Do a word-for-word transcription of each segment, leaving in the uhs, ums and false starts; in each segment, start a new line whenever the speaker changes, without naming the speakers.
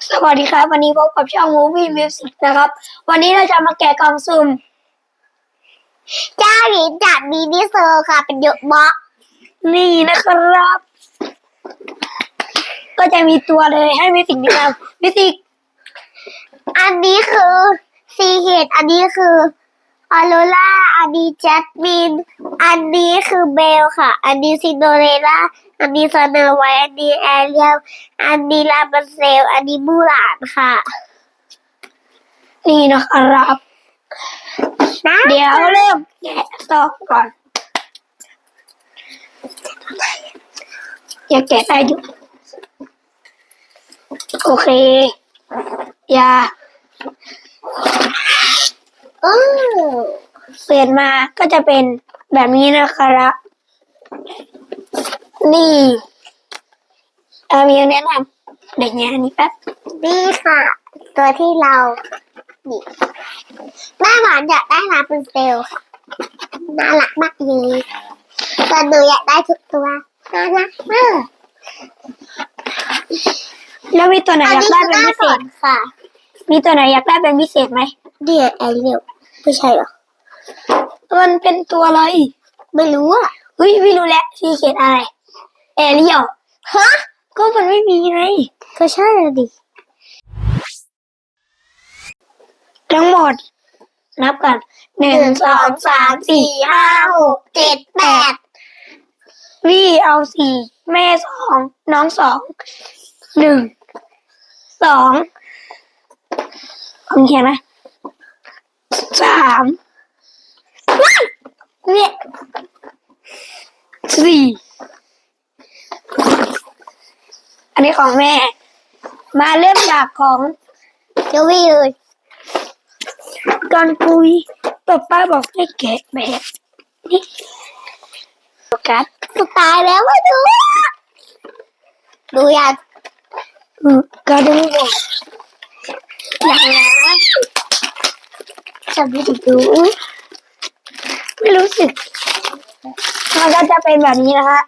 สวัสดีครับวันนี้พบกับช่อง Movie Music นะครับวันนี้เราจะมาแกะกล่องสุ่ม
เจ้าหญิงจากมินิโซค่ะเป็นเยอะมาก
นี่นะครับ ก็จะมีตัวเลยให้มิสิกนะครับมิสิก
อันนี้คือซีเฮดอันนี้คือออโรราอันนี้จัสมินอันนี้คือเบลค่ะอันนี้ซินโดเรลล่าอันนี้สโนไวท์อันนี้แอเรียลอันนี้ลาบันเซลอันนี้มูหลานค่ะ
นี่นะครับเดี๋ยวเริ่มแกะต่อก่อนอย่าแกะได้อยู่โอเคอย่า
อือ
เปลี่ยนมาก็จะเป็นแบบนี้นะครับนี่เออมีแนะนำเด็กเนี้ยนี่แป๊บ
นี่ค่ะตัวที่เรานี่แม่หวานอยากได้ลาบันเซลค่ะน่ารักมากเลยแต่หนูอยากได้ทุกตัวน่ารักมาก
แล้วมีตัวไหนอยากได้เป็นพิเศษ
ค่ะ
มีตัวไหนอยากได้เป็นพิเศษไหม
เดียแอเรียลไม่ใช่หรอ
มันเป็นตัวอะไร
ไม่รู้อ่ะ
เฮ้ยไม่รู้แหละซีเขียนอะไรแอเรียล
ฮะ
ก็มันไม่มีไง
ก็ใช่ดิ
ทั้งหมดนับกันหนึ่งสองสามสี่ห้าหกเจ็ดแปดวี่เอาสี่แม่สองน้องสองหนึ่งสองผมเขียนไหมสามเนี่ยสี่อันนี้ของแม่มาเริ่มจากของ
เจวี่เลย
ก่อนคุยป๊าป้าบอกให้แกะแบบนี้โฟกัส
สุดตายแล้วมาดูดูยัง
อืมก็ดูบอกอย่างนะ
จะไม่ดู
ไม่รู้สึกมันก็จะเป็นแบบนี้นะคะ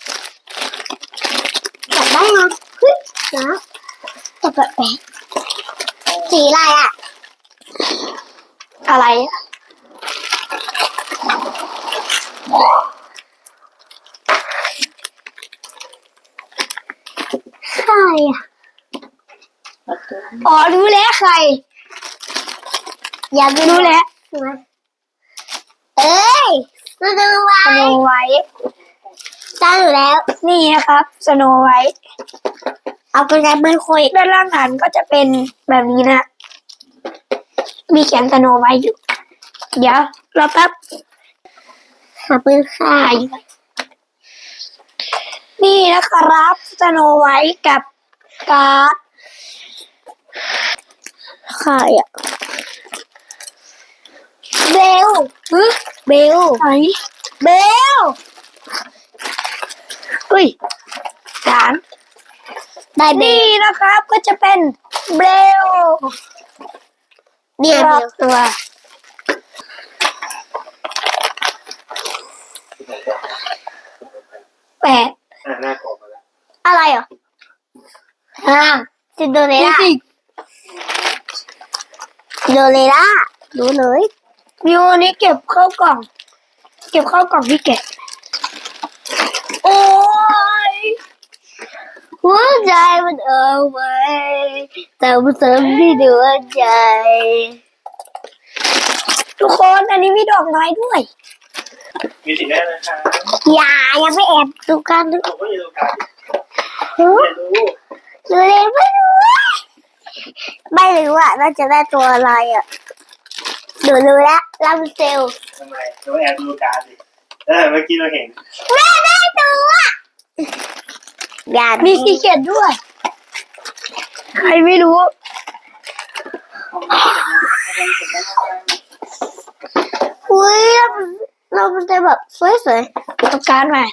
จับได้นะเฮ้ยนะจับแบบแปลกสีอะไรอ่ะ
อะไร
ใครอ่ะ
อ๋อรู้แล้วใคร
อยาก
รู้แล้ว
เอ้ยสโนไว
สโนไวท์
ได้อยู่แล้ว
นี่นะครับสโนไวท์
เอาไปใช้ไม่คุย
ด้านล่างฐานก็จะเป็นแบบนี้นะมีเขียนสโนไวท์อยู่เดี๋ยวรอแป๊บ
หาปืนค่า
นี่นะครับสโนไวท์กับการ์ด
ใครอ่ะเบลเบล
ไหน
เบล
อุ้ยสาม
ได้
นี่นะครับก็จะเป็นเบล
เนี่ย
รอบตัวแปด
อะไรอ่ะ
ห้า
ซินโดเรลล่า
สิ
ซินโดเรลล่ารู้เลย
มิวนี้เก็บเข้ากล่องเก็บเข้ากล่องที่แกะ
โอ้ยหัวใจมันเอาไว้แต่มันเสริมที่ดวงใจ
ทุกคนอันนี้มีดอกไม้ด้วย
มีสีแน่เลยค่ะ
อย่ายังไม่แอบดูกันดู
ผมก็อยู่กัน
รู้
ไม่รู้
ดูเลยไม่รู้ไม่รู้อ่ะน่าจะได้ตัวอะไรอ่ะดูรู้แล้วลาบูเซล
ทำไมเราแอบดูการดิเออเมื่อกี้เราเห็น
แม่ได้ตัวอย่า
มีสีเขียนด้วยใครไม่รู้
อุ้ยเรามันจะแบบสวย
ๆเอาการ์ดมา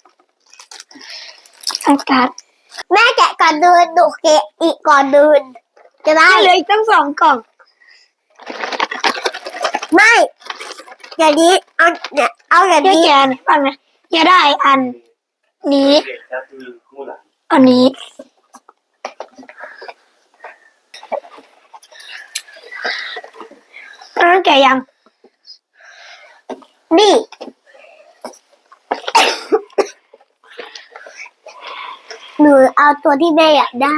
เอาการ์ด
แม่แกะก่อนเดินดูแกะอีกก่อนเดินจะได้
เลยตั้งสองกล่อง
ไม่อย่างนี้เอาเนี่ยเอาอย่างนี้
แกนฟังนะอย่าได้อันนี้อันนี้แก่ยัง
นี่ หนูเอาตัวที่แม่อยากได้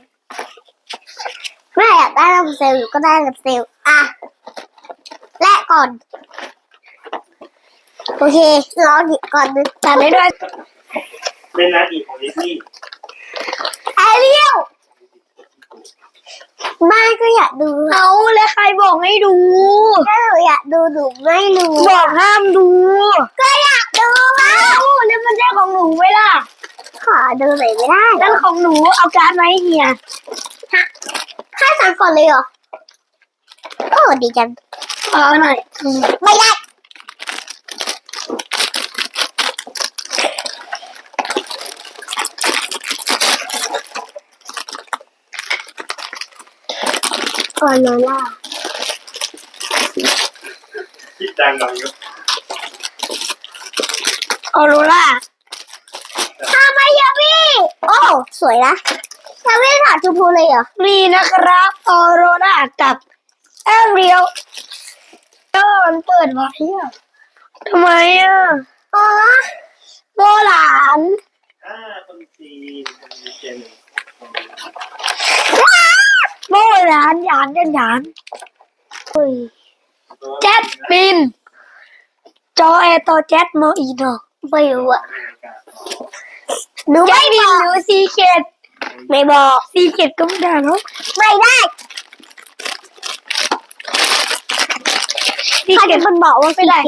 แม่อยากได้ลำเซลล์อยู่ก็ได้ลำเซลล์อ่ะแลกก่อนโอเครอหยิบก่อนนึง
ตัดได้ด้วย
เป็นนาทีของดิสนีย์
แอเรียลไม่ก็อยากดู
เอาแล้วใครบอกให้ดู
ถ้าหนูอยากดูหนูไม่รู้
บอกห้ามดู
ก็อยากดูว่า
เอ้าแล้วมันใช่ของหนูไหมล่ะ
ขอดูหน่อยไม่ได้
นั่นของหนูเอาการ์ดมาให้เฮีย
ค่าสั่งก่อนเลยเหรอโอ้ดีจัง
เอาหน่อย
ไม่ได้ออโรล่า
คิดดังหน่อยอยู่
ออโรล่า
ทำไมยาวี่โอ้สวยนะยาวี่ถาดชมพูเลยเหรอ
มีนะครับออโรล่ากับแอเรียลเออมันเปิดไว้อะทำไมอ่ะ
อ๋อ
โบราณ
อ่าคนจีนคนจีนเจน
โบราณหยานยันหยานอุ้ยแจ็ตบิน จอแอร์ต่อแจ็ตโมอีโน
ไม่รู้อะ
หนูไม่บินหรือซีเคด
ไม่บอก
ซีเคดก็ไม่ได้เนาะ
ไม่ได้
ซี
ใคร
เค
เป็
ด
นคนบอกว่า
ไม่ได้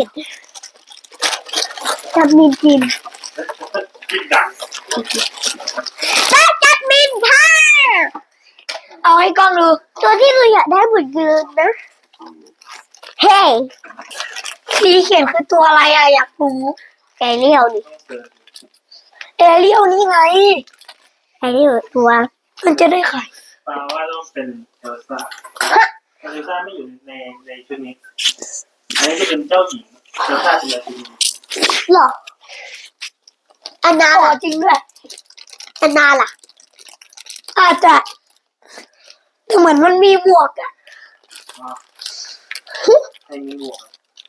จัดมินจิน
คิดดัง
ได้จัดมินค่ะ
เอาให้กล้องดู
ตัวที่เราอยากได้เหมือนเดิมนะ เฮ้ย
ซีเคดคือตัวอะไรอะอยากรู้
ไก่เลี้ยวดิ
แอเรียลนี่ไง
ไก่เลี้ยวตัว
มันจะได้ไข่
แปลว่าต้องเป็นเอลซ่าเอลซ่าไม่อยู่ในในชุดนี้อันนี้จะเป็นเจ้าหญิงเอลซ่าเป็นราชินี
หรออันนา
อ๋อ
ล่ะ
จริงด้วย
อันนาล่ะ
อาจจะแต่เหมือนมันมีหมวกอะ
อ่าให้มีหมวก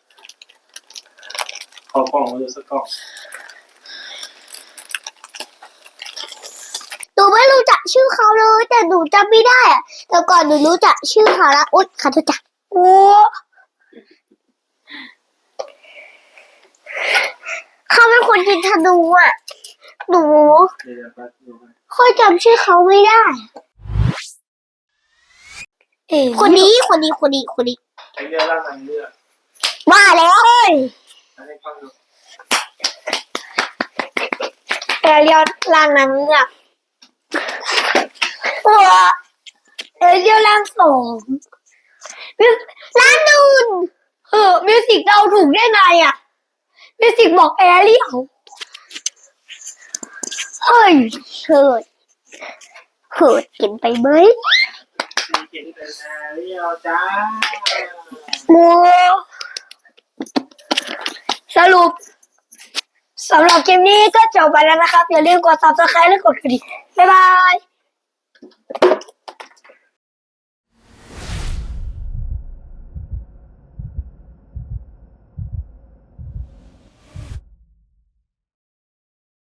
ขอกล่องมาดูสักกล่อง
หนูไม่รู้จักชื่อเขาเลย แต่หนูจำไม่ได้อะแต่ก่อนหนูรู้จักชื่อเขาแล้วอุ๊ยขอโทษจ้ะ
โอ้
เขาเป็นคนยิงธนูอ่ะ หนู
เดี๋ยวแป๊บดูกัน
ค่อยจำชื่อเขาไม่ได้
เอ๋
คนนี้คนนี้คนนี้คนนี้
ไอ้เรื่องร่างทางเลือก
ว่าแล้ว
อันนี้ฟังดู
แอเรียลล่างนั้นเนี่ยโอ้แอเรียลล่างสองมิว
ร้านนูน
เออมิวสิกเราถูกได้ไงอะมิวสิกบอกแอเรียลเฮ้ย
เขิดเขิดกินไปไหม
มีเขียนเป็นแอเรียลจ้า
โอ้สรุปสำหรับคลิปนี้ก็จบไปแล้วนะครับ อย่าลืมกด ซับสไครบ์ และกดกระดิ่งบ๊ายบาย